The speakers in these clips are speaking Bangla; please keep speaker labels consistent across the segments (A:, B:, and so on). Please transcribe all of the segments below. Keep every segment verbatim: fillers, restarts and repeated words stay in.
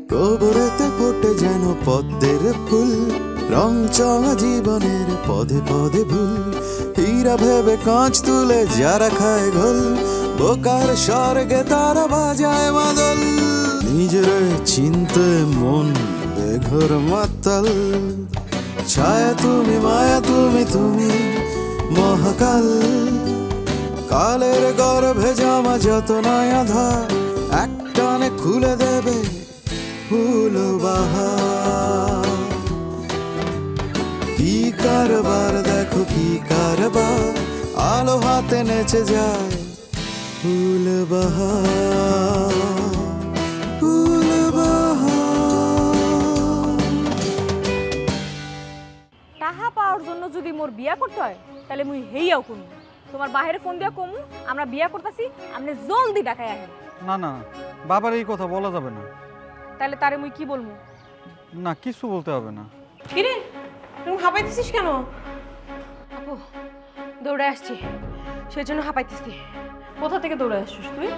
A: গোবরেতে ফোটে যেন পদ্মের ফুল, রং চঙা জীবনের পদে পদে ভুল। হীরা ভেবে কাঁচ তুলে যারা খায় ঘোল, বোকার স্বর্গে তারা বাজায় মাদল। নিজের চিনতে মন বেঘর মাতাল, ছায়া তুমি মায়া তুমি তুমি মহাকাল। কালের গর্ভে জামা যত নয়া ধার, একটানে খুলে দেবে ফুল বাহার। কি কারবার দেখো কি কারবার, আলো হাতে নেচে যায় ফুল বাহার, ফুল বাহার।
B: টাহা পাওয়ার জন্য যদি মোর বিয়া করতে হয় তাহলে মুই হেইয়াও কোন তোমার বাহিরে ফোন দিয়া কমু আমরা বিয়া করতেছি, আপনি জলদি ঢাকায় আহেন।
C: না না, বাবার এই কথা বলা যাবে না।
B: তাহলে তারে মুই কি বলবো?
C: না, কিছু বলতে হবে না।
D: কিরে তুমি হাঁপাইতেছিস কেন? আপু দৌড়ে আসছি, সেই জন্য হাঁপাইতেছি।
B: কোথা থেকে দৌড়ে আসছিস তুই?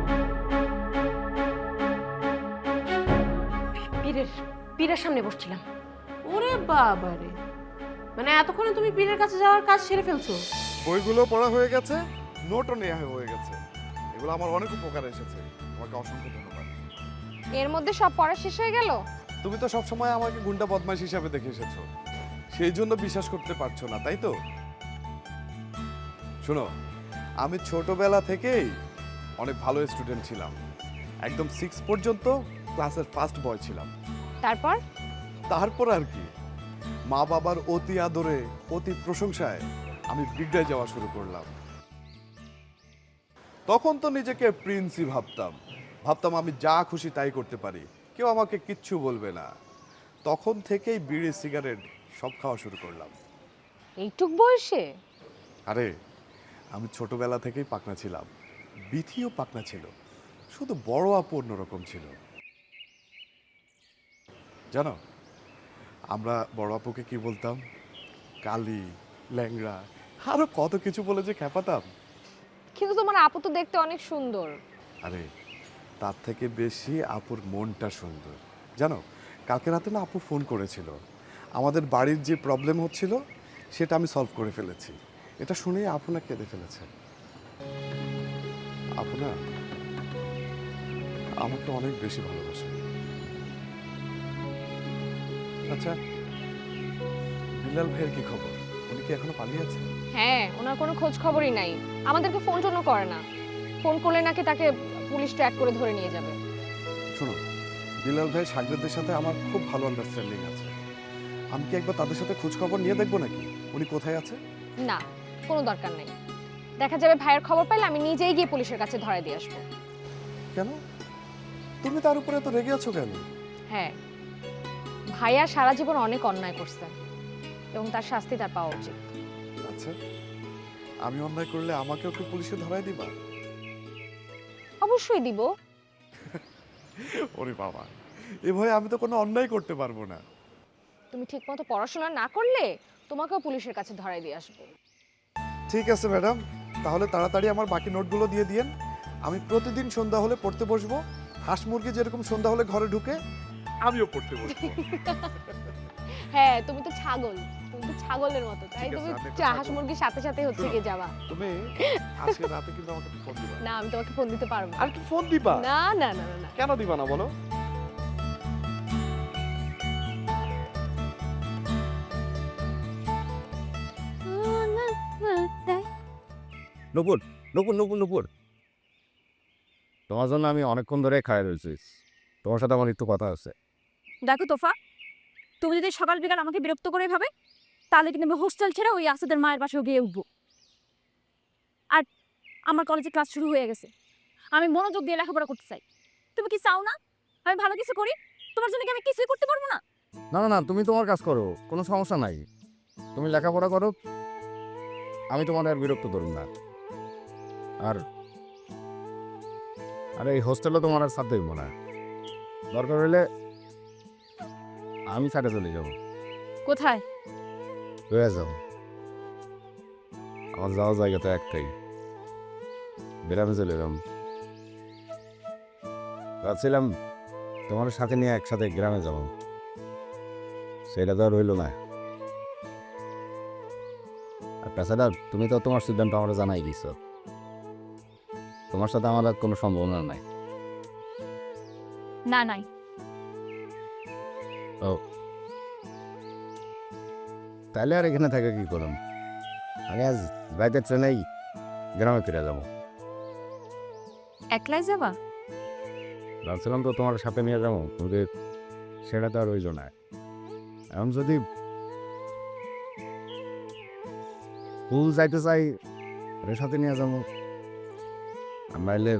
D: পীরের পীরের সামনে বসছিলাম।
B: ওরে বাবা রে,
D: মানে এতক্ষণে তুমি পীরের কাছে যাওয়ার কাজ সেরে ফেলছো?
E: বইগুলো পড়া হয়ে গেছে, নোটও নেওয়া হয়ে গেছে। এগুলো আমার অনেক উপকারে এসেছে, তোমাকে অসংখ্য ধন্যবাদ।
F: এর মধ্যে সব পড়া শেষ হয়ে গেল?
E: তুমি তো সবসময় আমাকে গুন্ডা বদমাশ হিসাবে দেখে এসেছো, সেই জন্য বিশ্বাস করতে পারছো না, তাই তো? শোনো, আমি ছোটবেলা থেকেই অনেক ভালো স্টুডেন্ট ছিলাম। একদম সিক্স পর্যন্ত ক্লাসের ফার্স্ট বয় ছিলাম।
F: তারপর?
E: তারপর আর কি, মা বাবার অতি আদরে অতি প্রশংসায় আমি বিগড়ে যাওয়া শুরু করলাম। তখন তো নিজেকে প্রিন্সই ভাবতাম ভাবতাম আমি যা খুশি তাই করতে পারি, কেউ আমাকে কিচ্ছু বলবে না। তখন থেকেই বিড়ি সিগারেট সব খাওয়া শুরু করলাম।
F: এইটুক বয়সে?
E: আরে আমি ছোটবেলা থেকেই পাকনা ছিলাম, বিথিও পাকনা ছিল, শুধু বড় আপু অন্যরকম ছিল। জানো, আমরা বড় আপুকে কি বলতাম? কালি, ল্যাংড়া, আরো কত কিছু বলে যে খেপাতাম।
F: কিন্তু তোমার আপু তো দেখতে অনেক সুন্দর।
E: আরে তার থেকে বেশি আপুর মনটা সুন্দর। জানো, কালকে রাতে না আপু ফোন করেছিল, আমাদের বাড়ির যে প্রবলেম হচ্ছিল সেটা আমি সলভ করে ফেলেছি। এটা শুনেই আপু না কেঁদে ফেলেছে। আপু না আমাকে অনেক বেশি ভালোবাসে। আচ্ছা, বিলাল ভাইয়ের কি খবর? উনি কি এখনো পালিয়ে আছে?
F: হ্যাঁ, ওনার কোনো খোঁজ খবরই নাই, আমাদেরকে ফোন টোনও করে না। ফোন করলে নাকি তাকে পুলিশ ট্র্যাক করে ধরে নিয়ে যাবে।
E: শোনো, বিলাল ভাই সাগরেদের সাথে আমার খুব ভালো আন্ডারস্ট্যান্ডিং আছে। আমি কি একবার তাদের সাথে খোঁজ খবর নিয়ে দেখবো নাকি উনি কোথায় আছে?
F: না, কোনো দরকার নেই। দেখা যাবে ভাইয়ের খবর পাইলে আমি নিজেই গিয়ে পুলিশের কাছে ধরে দিয়ে আসবো।
E: কেন? তুমি তার উপরে এত রেগে আছো কেন?
F: হ্যাঁ, ভাইয়া সারা জীবন অনেক অন্যায় করছে এবং তার শাস্তি তার পাওয়া উচিত।
E: আচ্ছা, আমি অন্যায় করলে আমাকেও কি পুলিশে ধরায় দিবা?
F: অবশ্যই দিব।
E: ওরে বাবা, এ ভয়ে আমি তো কোনো অন্যায় করতে পারবো না।
F: তুমি ঠিকমতো পড়াশোনা না করলে তোমাকেও পুলিশের কাছে ধরাই দিয়ে আসবো।
E: ঠিক আছে ম্যাডাম, তাহলে তাড়াতাড়ি আমার বাকি নোটগুলো দিয়ে দিয়েন। আমি প্রতিদিন সন্ধ্যা হলে পড়তে বসবো। হাঁস মুরগি যেরকম সন্ধ্যা হলে ঘরে ঢুকে, আমিও পড়তে বসবো।
F: হ্যাঁ, তুমি তো ছাগল, তুমি তো ছাগলের মতো, তাই
E: ঠিক আছে,
F: তুমি
E: আমি একটা
F: হাঁস
E: ছাগল।
F: মুরগির সাথে সাথে হচ্ছে
E: শোনো,
F: গিয়ে যাবা।
E: তুমি আজকে রাতে কিন্তু আমাকে ফোন দিবা।
F: না, আমি তোমাকে ফোন দিতে পারবো না।
E: আর কি ফোন দিবা?
F: না না না না না।
E: কেন দিবা না বলো?
G: নূপুর, নূপুর, নূপুর, নূপুর, তোমার জন্য আমি অনেকক্ষণ ধরে খায় রয়েছি। তোমার সাথে আমার একটু কথা আছে।
B: দেখো তোফা, তুমি যদি সকাল বিকাল আমাকে বিরক্ত করে ভাবে তাহলে কিন্তু আমি হোস্টেল ছেড়ে ওই আসাদের মায়ের বাসায় গিয়ে উঠবো। আর আমার কলেজে ক্লাস শুরু হয়ে গেছে, আমি মনোযোগ দিয়ে লেখাপড়া করতে চাই। তুমি কি চাও না আমি ভালো কিছু করি? তোমার জন্য কি আমি কিছুই করতে পারবো না?
G: না না না, তুমি তোমার কাজ করো, কোনো সমস্যা নাই। তুমি লেখাপড়া করো, আমি তোমার আর বিরক্ত করব না। আর আর এই হোস্টেলে তোমার আর সাথে দেবো না। দরকার হলে আমি সাথে চলে যাবো।
B: কোথায়?
G: রয়ে যাও, আমার যাওয়ার জায়গা তো একটাই, বেড়ামে চলে এলাম। ভাবছিলাম তোমার সাথে নিয়ে একসাথে গ্রামে যাবো, সেটা তো আর রইল না। আর তাছাড়া তুমি তো তোমার সিদ্ধান্ত আমার জানাই দিছ, তোমার সাথে আমার আর কোনো সম্ভাবনা নাই।
B: না নাই।
G: ও তাহলে আর এখানে থাকে কি করুন, আমি আজ রাইতের ট্রেনেই গ্রামে ফিরে যাবো।
B: একলাই যাবা?
G: ভাবছিলাম তো তোমার সাথে নিয়ে যাবো, কিন্তু সেটা তো আর রইল না। এখন যদি ফুল যাইতে চাই ওর সাথে নিয়ে যাবো, আর নাইলে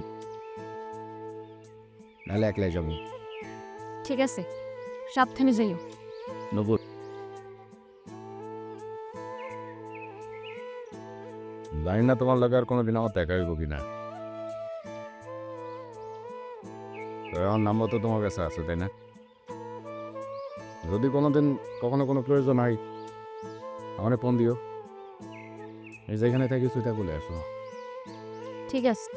G: নাহলে একলাই যাবো।
B: ঠিক আছে, সাবধানে যাইও।
G: নবুর জানি না তোমার লাগে আর কোনোদিন আমার দেখা হইব কিনা। আমার নাম্বার তো তোমার কাছে আছে, তাই না? যদি কোনোদিন কখনো কোনো প্রয়োজন হয় আমার ফোন দিও, এই যেখানে থাকি সেটা বলে আসো।
B: ঠিক আছে,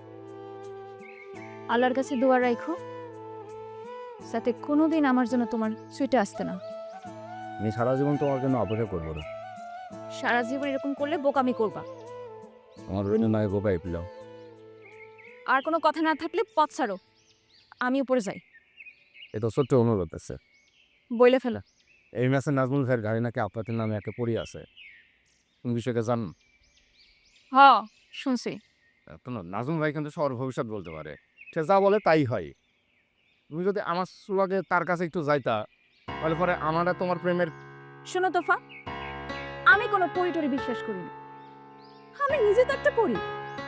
B: আল্লাহর কাছে দোয়া রাখো যাতে কোনোদিন আমার জন্য তোমার সুইটে আসতে না।
G: আমি সারা জীবন তোমার জন্য অপেক্ষা করবো না।
B: সারা জীবন এরকম করলে বোকামি করবা।
G: আমার রইল নয় গোপাই পিলাও।
B: আর কোনো কথা না থাকলে পথ ছাড়ো, আমি উপরে যাই।
G: এ তো ছোট্ট অনুরোধ আছে,
B: বইলে ফেলো।
G: এই ম্যাচে নাজমুল ভাইয়ের গাড়ি নাকি আপনাদের নামে একটা পড়ি আছে, কোন বিষয়টা জান?
B: হ, শুনছি।
G: তো না, নাজমুল ভাই কিন্তু সবার ভবিষ্যৎ বলতে পারে, সে যা বলে তাই হয়। তুমি যদি আমার সুলাগে তার কাছে একটু যাইতা, তাহলে পরে আমারা তোমার প্রেমের।
B: শোনো তোফা, আমি কোনো পরি টরি বিশ্বাস করি না। আমি নিজে তো একটা পরি,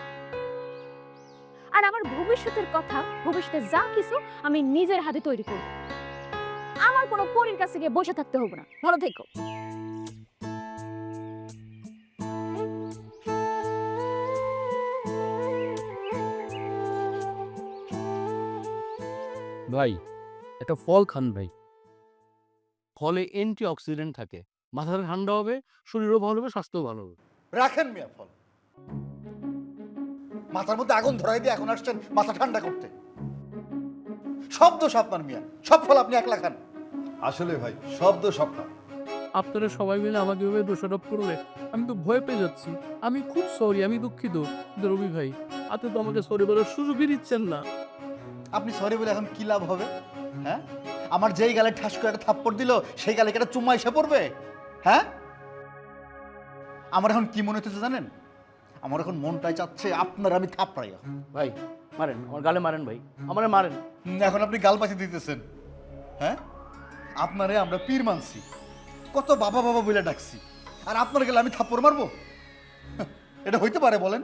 B: আর আমার ভবিষ্যতের কথা, ভবিষ্যতে যা কিছু আমি নিজের হাতে তৈরি করব। আমার কোনো পরির কাছে গিয়ে বসে থাকতে হবে না। ভালো থেকো।
H: ভাই একটা ফল খান ভাই, ফলে অ্যান্টি অক্সিডেন্ট থাকে, মাথাটা ঠান্ডা হবে, শরীরও ভালো হবে, স্বাস্থ্যও ভালো হবে।
I: রাখেন মিয়া ফল, মাথার মধ্যে আগুন ধরাই দিয়ে এখন আসছেন মাথা ঠান্ডা করতে। সব দোষ আপনার মিয়া, সব ফল আপনি একলা খান। আসলে ভাই সব দোষ আপনার।
H: আপনারা সবাই মিলে আমাকে এভাবে দোষারোপ করলে আমি তো ভয় পেয়ে যাচ্ছি। আমি খুব সরি, আমি দুঃখিত। কিন্তু রবি ভাই, আপনি তো আমাকে সরি বলার সুযোগই দিচ্ছেন না।
I: আপনি সরি বলে এখন কি লাভ হবে? হ্যাঁ, আমার যেই গালে ঠাস করে একটা থাপ্পড় দিল সেই গালে কি একটা চুম্মা এসে পড়বে? হ্যাঁ, আমার এখন কি মনে হচ্ছে জানেন? আমার এখন মনটাই চাচ্ছে আপনার আমি থাপড়াই।
H: ভাই মারেন, আমার গালে মারেন ভাই, আমারে মারেন।
I: হুম, এখন আপনি গাল পাশে দিতেছেন। হ্যাঁ, আপনারে আমরা পীর মানছি, কত বাবা বাবা বলে ডাকছি, আর আপনার গেলে আমি থাপ্পড় মারবো? এটা হইতে পারে বলেন?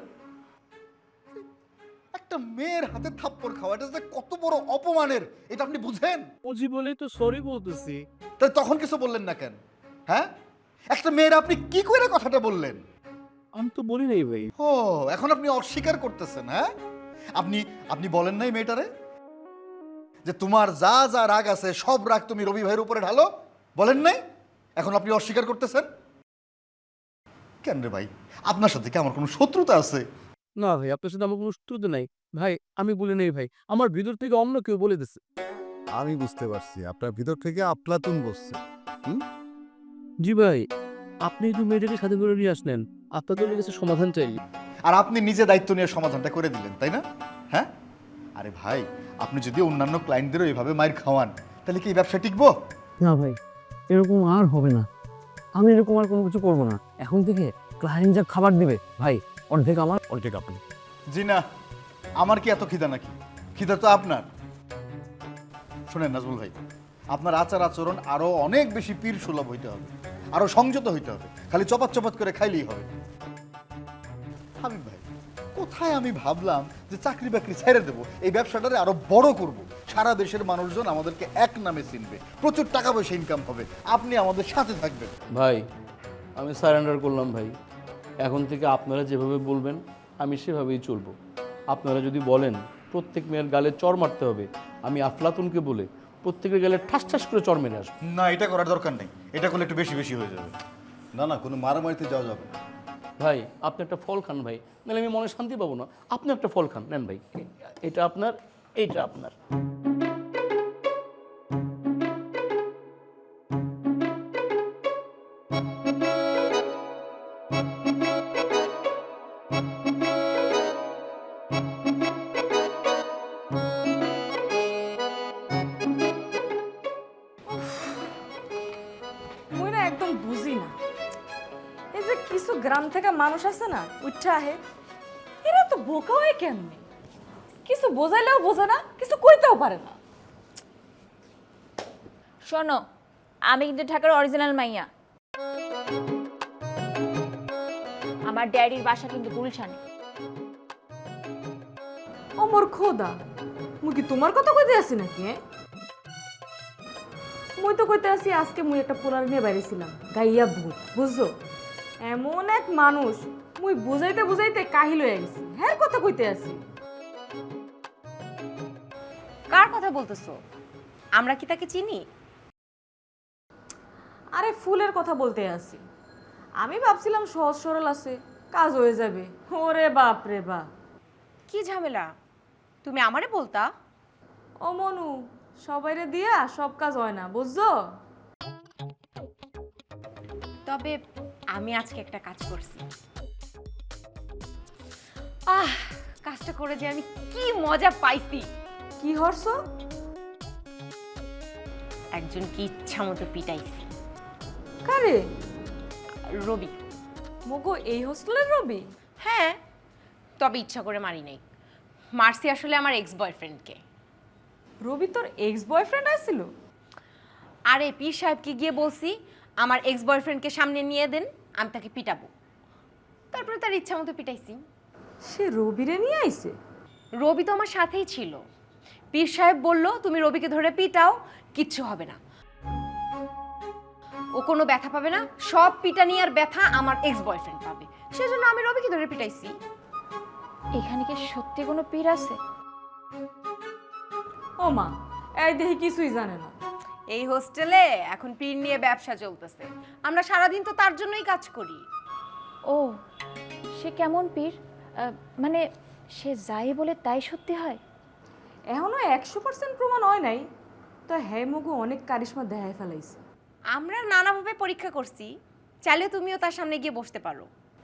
I: একটা মেয়ের হাতে থাপ্পড় খাওয়া এটা যে কত বড় অপমানের, এটা আপনি বুঝেন?
H: বুঝি বলেই তো সরি বলতেছি।
I: তাই তখন কিছু বললেন না কেন? হ্যাঁ, একটা মেয়ের আপনি কি করে কথাটা বললেন?
H: আমি তো বলি নাই ভাই।
I: ও, এখন আপনি অস্বীকার করতেছেন? হ্যাঁ, আপনি আপনি বলেন নাই মেয়েটারে যে তোমার যা যা রাগ আছে সব রাগ তুমি রবি ভাইয়ের উপরে ঢালো? বলেন নাই? এখন আপনি অস্বীকার করতেছেন কেন রে ভাই? আপনার সাথে কি আমার কোনো শত্রুতা আছে?
H: না ভাই, আপনার সাথে আমার কোনো শত্রুতা নাই ভাই, আমি বলি নাই ভাই, আমার ভিতর থেকে অন্য কেউ বলে দিচ্ছে।
E: আমি বুঝতে পারছি আপনার ভিতর থেকে আপলাতুন বসছে।
H: জি ভাই, আপনি একটু মেয়েটাকে সাথে করে নিয়ে আসলেন, আপনাদের কাছে সমাধান চাই।
I: আর আপনি নিজে দায়িত্ব নিয়ে সমাধানটা করে দিলেন, তাই না? হ্যাঁ, আরে ভাই, আপনি যদি অন্যান্য ক্লায়েন্টদেরও এইভাবে মাইর খাওয়ান তাহলে কি এই ব্যবসা টিকবো?
J: না ভাই, এরকম আর হবে না। আমি এরকম আর কোনো কিছু করবো না। এখন থেকে ক্লায়েন্ট যা খাবার দিবে ভাই, অর্ধেক আমার অর্ধেক আপনি।
I: জি না, আমার কি এত খিদা নাকি? খিদা তো আপনার। শোনেন নাজমুল ভাই, আপনার আচার আচরণ আরো অনেক বেশি পীর সুলভ হইতে হবে, আরো সংযত হইতে হবে। খালি চপাত চপাত করে খাইলেই হবে। হাবিব ভাই, কোথায় আমি ভাবলাম যে চাকরি বাকরি ছেড়ে দেবো, এই ব্যবসাটারে আরো বড় করব, সারা দেশের মানুষজন আমাদেরকে এক নামে চিনবে, প্রচুর টাকা পয়সা ইনকাম হবে, আপনি আমাদের সাথে থাকবেন।
H: ভাই আমি সারেন্ডার করলাম ভাই, এখন থেকে আপনারা যেভাবে বলবেন আমি সেভাবেই চলবো। আপনারা যদি বলেন প্রত্যেক মেয়ের গালে চর মারতে হবে, আমি আফলাতুনকে বলে প্রত্যেকের গালে ঠাস ঠাস করে চর মেরে আসবো।
I: না, এটা করার দরকার নেই, এটা করলে একটু বেশি বেশি হয়ে যাবে। না না, কোনো মারামারিতে যাওয়া যাবে না।
H: ভাই আপনি একটা ফল খান ভাই, নাহলে আমি মনে শান্তি পাবো না। আপনি একটা ফল খান, নেন ভাই, এটা আপনার, এইটা আপনার।
D: গ্রাম থেকে মানুষ আছে না উঠা আহে, এরা তো বোকা হয় কেমনে? কিছু বোঝাইলেও বোঝে না, কিছু কইতেও পারে না।
B: শোনো, আমি কিন্তু ঢাকার অরিজিনাল মাইয়া। আমার ড্যাডির বাসা কিন্তু গুলশানে।
D: ও মোর খোদা, মুই কি তোমার কথা কইতে আছি নাকি? হ্যাঁ, মুই তো কইতে আছি আজকে মুই একটা পোলার নিয়ে বাইরেছিলাম, গাইয়া ভূত, বুঝছো? এমন এক মানুষ, মুই বুঝাইতে বুঝাইতে কাহিল হয়ে গেছি। হ্যাঁ, কথা কইতে আছি।
K: কার কথা বলতেছো? আমরা কি তাকে চিনি?
D: আরে ফুলের কথা বলতে আছি। আমি ভাবছিলাম সহজ সরল আছে, কাজ হয়ে যাবে। ওরে বাপ রে বাপ,
K: কি ঝামেলা? তুমি আমারে বলতা?
D: ও মনু, সবাইরে দিয়া সব কাজ হয় না, বুঝছো?
K: তবে আমি আজকে একটা কাজ করছি। আহ, কাজটা করে যে আমি কি মজা পাইছি!
D: কি হরছো?
K: একজনকে ইচ্ছা মতো পিটাইছি।
D: কারে?
K: রবি।
D: মগো এই হোস্টেলের রবি?
K: হ্যাঁ, তবে ইচ্ছা করে মারি নাই। মারছি আসলে আমার এক্স বয়ফ্রেন্ডকে।
D: রবি তোর এক্স বয়ফ্রেন্ড আছিল?
K: আরে পীর সাহেবকে গিয়ে বলছি আমার এক্স বয়ফ্রেন্ডকে সামনে নিয়ে দেন, আমি তাকে পিটাবো। তারপরে তার ইচ্ছা মতো পিটাইছি।
D: সে রবিরে নিয়ে আইছে?
K: রবি তো আমার সাথেই ছিল। পীর সাহেব বলল তুমি রবিকে ধরে পিটাও, কিচ্ছু হবে না, ও কোনো ব্যথা পাবে না, সব পিটানি আর ব্যথা আমার এক্স বয়ফ্রেন্ড পাবে। সেজন্য আমি রবিকে ধরে পিটাইছি।
B: এখানে কি সত্যি কোনো পীর আছে?
D: ও মা, এই দেখি কিছুই জানে না।
K: এই হোস্টেলে এখন পীর নিয়ে ব্যবসা চলতেছে, আমরা সারাদিন তো তার জন্যই কাজ করি।
B: ও, সে কেমন পীর? আহ, মানে সে যাই বলে তাই সত্যি হয়?
D: এখনো একশো পার্সেন্ট প্রমাণ হয় নাই, তো হ্যাঁ মগু অনেক কারিশমা দেখায় ফেলাইছে।
K: আমরা নানাভাবে পরীক্ষা করছি, চাইলে তুমিও তার সামনে গিয়ে বসতে পারো।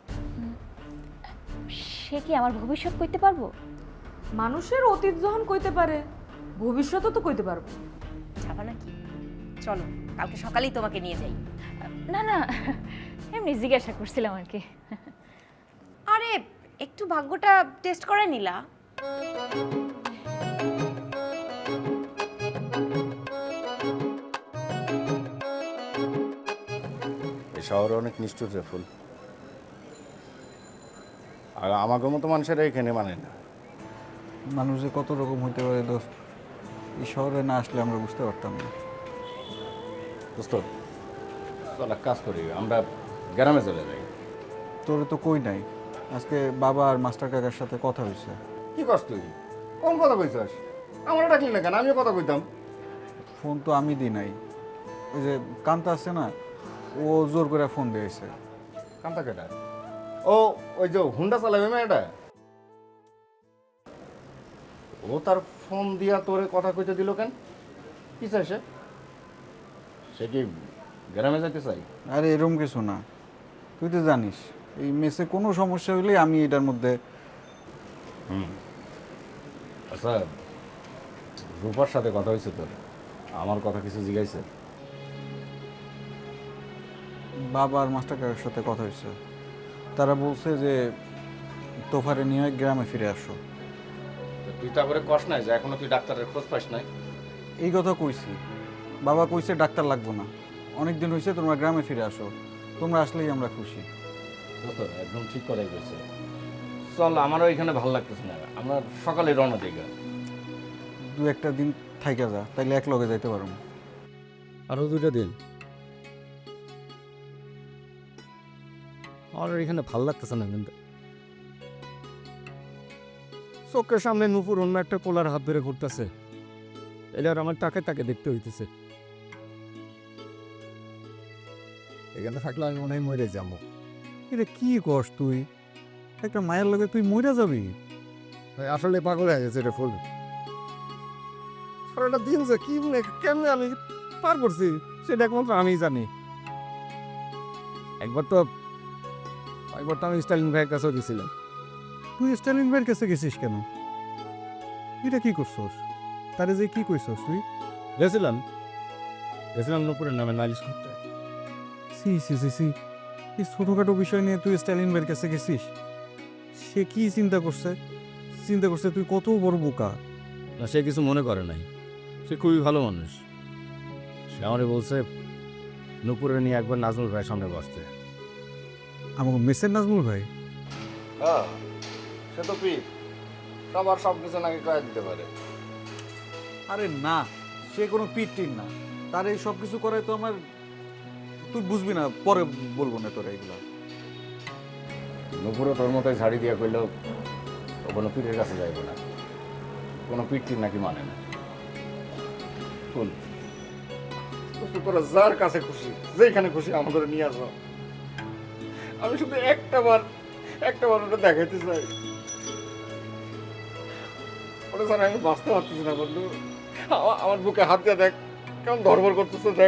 B: সে কি আমার ভবিষ্যৎ কইতে পারবো?
D: মানুষের অতীত যখন কইতে পারে, ভবিষ্যতও তো কইতে পারবো।
K: যাবা নাকি? চলো, কালকে সকালেই তোমাকে নিয়ে যাই।
B: না না, এমনি জিজ্ঞাসা করছিলাম আর কি।
K: আরে একটু ভাগ্যটা টেস্ট করে নিলা।
G: এই শহরে অনেক নিষ্ঠুর রে ফুল, আর আমাদের মতো মানুষেরা এখানে মানে না।
C: মানুষ যে কত রকম হইতে পারে দোস্ত, এই শহরে না আসলে আমরা বুঝতে পারতাম না।
G: দোস্ত চল এক কাজ করি, আমরা গ্রামে চলে যাই।
C: তোরে তো কই নাই, আজকে বাবা আর মাস্টার কাকার সাথে কথা হয়েছে।
G: কি করছ তুই? কোন কথা কইছস? আমরা ডাকলি না কেন? আমিও কথা কইতাম।
C: ফোন তো আমি দিই নাই, ওই যে কান্তা আছে না, ও জোর করে ফোন দিয়েছে।
G: কান্তা কেটা? ও ওই যে হুন্ডা চালাবে মেয়েটা, ও তার ফোন দিয়া তোরে কথা কইতে দিল কেন? কি চাই সে? সে কি গ্রামে যাইতে চাই?
C: আরে এরকম কিছু না, তুই তো জানিস এই মেসে কোনো সমস্যা হইলে আমি এটার মধ্যে।
G: হুম, আচ্ছা রূপার সাথে কথা হয়েছে তোর? আমার কথা কিছু জিজ্ঞাসা?
C: বাবা আর মাস্টার কাকার সাথে কথা হয়েছে, তারা বলছে যে তোফারে নিয়ে গ্রামে ফিরে আসো।
G: তুই তারপরে কষ নাই যে এখনো তুই ডাক্তারের খোঁজ পাস নাই?
C: এই কথা কইছি, বাবা কইছে ডাক্তার লাগবো না, অনেক দিন হয়েছে, তোমরা গ্রামে ফিরে আসো, তোমরা আসলেই আমরা খুশি।
G: দোস্ত একদম ঠিক কথাই কইছে। চল, আমারও এখানে ভালো লাগতেছে না, আমরা সকালে রওনা দিই।
C: দু একটা দিন থাইকা যা, তাইলে এক লগে যাইতে পারো।
J: আরো দুইটা দিন। আমার এখানে ভাল লাগতেছে না, কিন্তু চোখের সামনে নুপুর অন্য একটা পোলার হাত ধরে ঘুরতেছে, এটার আমার টাকে তাকে দেখতে হইতেছে। এখানে থাকলে আমি মনে হয় মরে যাবো। এটা কি কস তুই? একটা মায়ের লগে তুই মরে যাবি? আসলে পাগল হয়ে গেছে রে ফুল। সারাটা দিন যে কি কেমনে আমি পার করছি সেটা একমাত্র আমিই জানি। একবার তো একবার তো আমি স্টালিন ভাইয়ের কাছেও গেছিলাম। তুই স্টালিন ভাইয়ের কাছে গেছিস কেন? এটা কি করছস? তারে যে কি কইছস তুই? গেছিলাম গেছিলাম নুপুরের নামে নালিশ করতে। সি সি সি সি এই ছোটোখাটো বিষয় নিয়ে তুই স্টালিন ভাইয়ের কাছে গেছিস? সে কি চিন্তা করছে? চিন্তা করছে তুই কত বড় বোকা।
G: না, সে কিছু মনে করে নাই, সে খুবই ভালো মানুষ। সে আমারে বলছে নুপুরে নিয়ে একবার নাজমুল ভাইয়ের সামনে বসতে।
J: আমাকে মেসের নাজমুল ভাই?
G: হ্যাঁ, সে তো পিট, সবার সব কিছু নাকি কয়ে দিতে পারে।
C: আরে না, সে কোনো পিট টিন না, তার এই সব কিছু করে তো আমার, তুই বুঝবি না, পরে বলবো না তোরা এগুলো।
G: নুপুরে তোর মতোই ঝাড়ি দিয়ে কইলেও ও কোনো পিঠের কাছে যাইব না, কোনো পিঠ টিন নাকি মানে না। শুন, তোরা যার কাছে খুশি, যেখানে খুশি আমাদের নিয়ে আসো। আমি শুধু একটা বার একটা বার ওটা দেখাইতে চাই। ওটা স্যার আমি বাঁচতে পারতেছি না বন্ধু। আমা- আমার বুকে হাত দিয়ে দেখ, কেমন ধরবর করতেছে দেখ।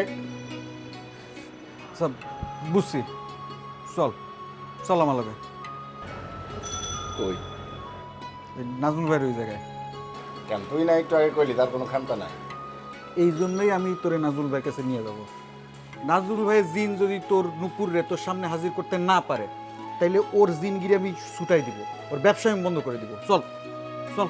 C: সব বুঝছি, চল চল আমার লাগে।
G: কই
C: এই নাজমুল ভাইয়ের ওই জায়গায়।
G: কেন তুই না একটু আগে কইলি তার কোনো খামতা নাই?
C: এই জন্যই আমি তোরে নাজমুল ভাইয়ের কাছে নিয়ে যাব। নাজমুল ভাইয়ের জিন যদি তোর নুপুরে তোর সামনে হাজির করতে না পারে, তাইলে ওর জিনগিরি আমি ছুটাই দিব, ওর ব্যবসা আমি বন্ধ করে দিব। চল চল।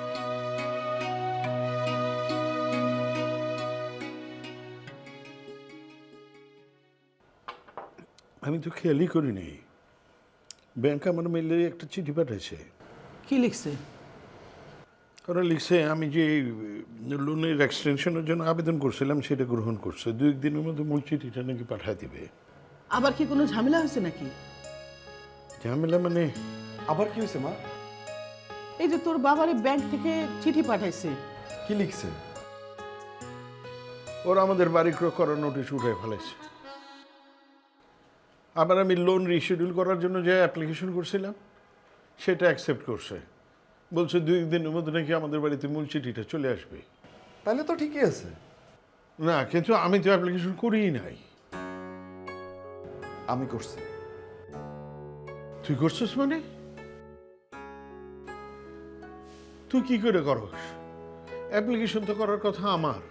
L: আমি তো খেয়ালই করিনি, ব্যাংক আমার মেলে একটা চিঠি পাঠাইছে।
M: কি লিখছে?
L: ওরা লিখছে আমি যে লোনের এক্সটেনশনের জন্য আবেদন করছিলাম সেটা গ্রহণ করছে, দু একদিনের মধ্যে মূল চিঠিটা নাকি পাঠায় দিবে।
M: আবার কি কোনো ঝামেলা হয়েছে নাকি?
L: ঝামেলা মানে?
E: আবার কি হয়েছে মা?
M: এই যে তোর বাবারে ব্যাংক থেকে চিঠি পাঠাইছে।
E: কি লিখছে?
L: ওরা আমাদের বাড়ি ক্রয় করার নোটিশ উঠে ফেলেছে। আবার আমি লোন রিশিডিউল করার জন্য যে অ্যাপ্লিকেশন করছিলাম সেটা অ্যাকসেপ্ট করছে, বলছে দুই দিনের মধ্যে নাকি আমাদের বাড়িতে মূল চিঠিটা চলে আসবে।
E: তাহলে তো ঠিকই আছে।
L: না, কিন্তু আমি তো অ্যাপ্লিকেশন করিই নাই।
E: আমি করছি।
L: তুই করছিস মানে? তুই কি করে করস? অ্যাপ্লিকেশন তো করার কথা আমার।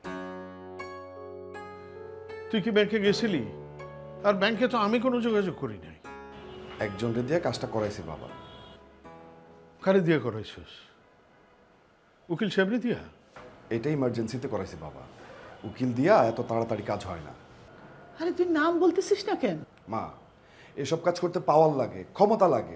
L: তুই কি ব্যাংকে গেছিলি? আর ব্যাংকে তো আমি কোনো যোগাযোগ করি নাই।
E: একজনকে দিয়ে কাজটা করাইছি বাবা।
L: কারে দিয়ে করাইছিস? উকিল সাহেবরে দিয়া?
E: এটা ইমার্জেন্সিতে করাইছি বাবা, উকিল দিয়া এত তাড়াতাড়ি কাজ হয় না।
M: আরে তুই নাম বলতেছিস না কেন?
E: মা, এসব কাজ করতে পাওয়ার লাগে, ক্ষমতা লাগে।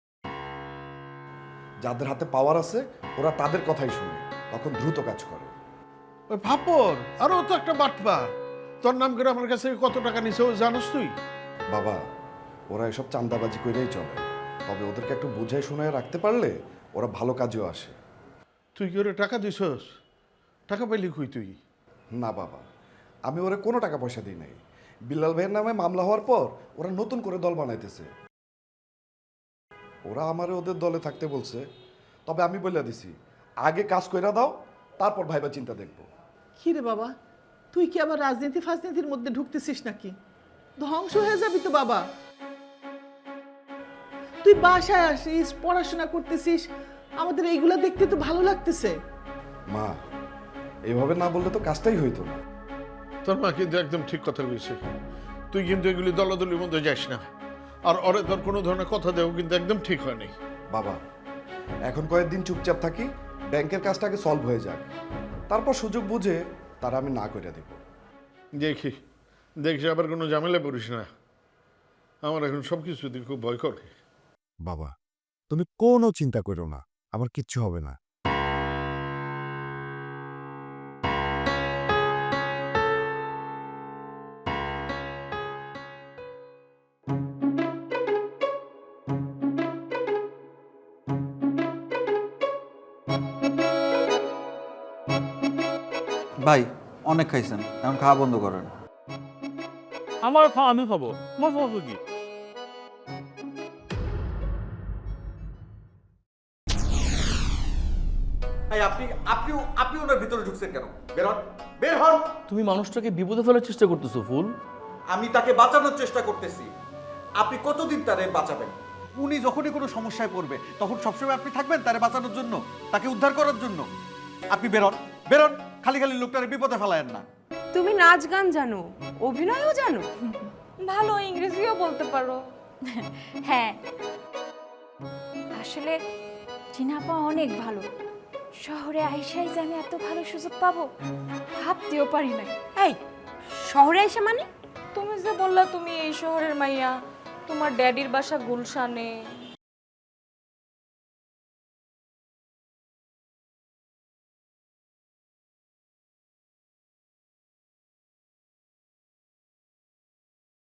E: যাদের হাতে পাওয়ার আছে ওরা তাদের কথাই শুনে, তখন দ্রুত কাজ করে।
L: ওই ভাপর আরো তো একটা বাটপার, তোর নাম করে আমার কাছে কত টাকা নিছে ও জানোস তুই?
E: বাবা, ওরা এসব চাঁদাবাজি করেই চলে, তবে ওদেরকে একটু বুঝাই শোনায় রাখতে পারলে ওরা ভালো কাজেও আসে।
L: তুই কি ওরে টাকা দিছস? টাকা পাইলি কই তুই?
E: না বাবা, আমি ওরা কোনো টাকা পয়সা দিই নাই। বিল্লাল ভাইয়ের নামে মামলা হওয়ার পর ওরা নতুন করে দল বানাইতেছে। ওরা আমারে ওদের দলে থাকতে বলছে, তবে আমি বলে দিছি আগে কাজ কইরা দাও, তারপর ভাইবা চিন্তা দেখবো।
M: কি রে বাবা, তুই কি আবার রাজনীতি ফাজনীতির মধ্যে ঢুকতেছিস নাকি? ধ্বংস হয়ে যাবি তো বাবা। তুই বাসায় আসিস, পড়াশোনা করতেছিস, আমাদের এইগুলা দেখতে তো ভালো লাগতেছে।
E: মা, এইভাবে না বললে তো কাজটাই হইতো না।
L: তোর মা কিন্তু একদম ঠিক কথা বলছে। তুই কিন্তু এগুলি দলাদলির মধ্যে যাস না, আর ওরে তোর কোনো ধরনের কথা দেও কিন্তু একদম ঠিক হয় নাই।
E: বাবা, এখন কয়েকদিন চুপচাপ থাকি, ব্যাংকের কাজটাকে সলভ হয়ে যাক, তারপর সুযোগ বুঝে তারা আমি না করে দেব।
L: দেখি দেখি আবার কোনো ঝামেলা পড়িস না, আমার এখন সব কিছু খুব ভয় করে।
J: বাবা, তুমি কোনো চিন্তা করো না, আমার কিচ্ছু হবে না।
C: ভাই অনেক খাইছেন, এখন খাওয়া বন্ধ করেন।
H: আমার খাওয়া আমি খাবো, আমার সমস্যা কি?
C: আপনি আপনি আপনি ওনার ভিতরে ঢুকছেন কেন? বের হন, বের হন।
H: তুমি মানুষটাকে বিপদে ফেলার চেষ্টা করতেছো ফুল।
C: আমি তাকে বাঁচানোর চেষ্টা করতেছি। আপনি কতদিন তারে বাঁচাবেন? উনি যখনই কোনো সমস্যায় পড়বে তখন সবসময় আপনি থাকবেন তারে বাঁচানোর জন্য, তাকে উদ্ধার করার জন্য। আপনি বেরোন, বেরোন, খালি খালি লোকটারে বিপদে ফেলায়েন না।
K: তুমি নাচ গান জানো, অভিনয়ও জানো?
D: ভালো ইংরেজিও বলতে পারো।
B: হ্যাঁ, আসলে চিনাপা অনেক ভালো। শহরে আইসাই যে আমি এত ভালো সুযোগ পাবো ভাবতেও পারি নাই।
K: এই শহরে এসে মানে?
D: তুমি যে বললা তুমি এই শহরের মাইয়া, তোমার ড্যাডির বাসা গুলশানে,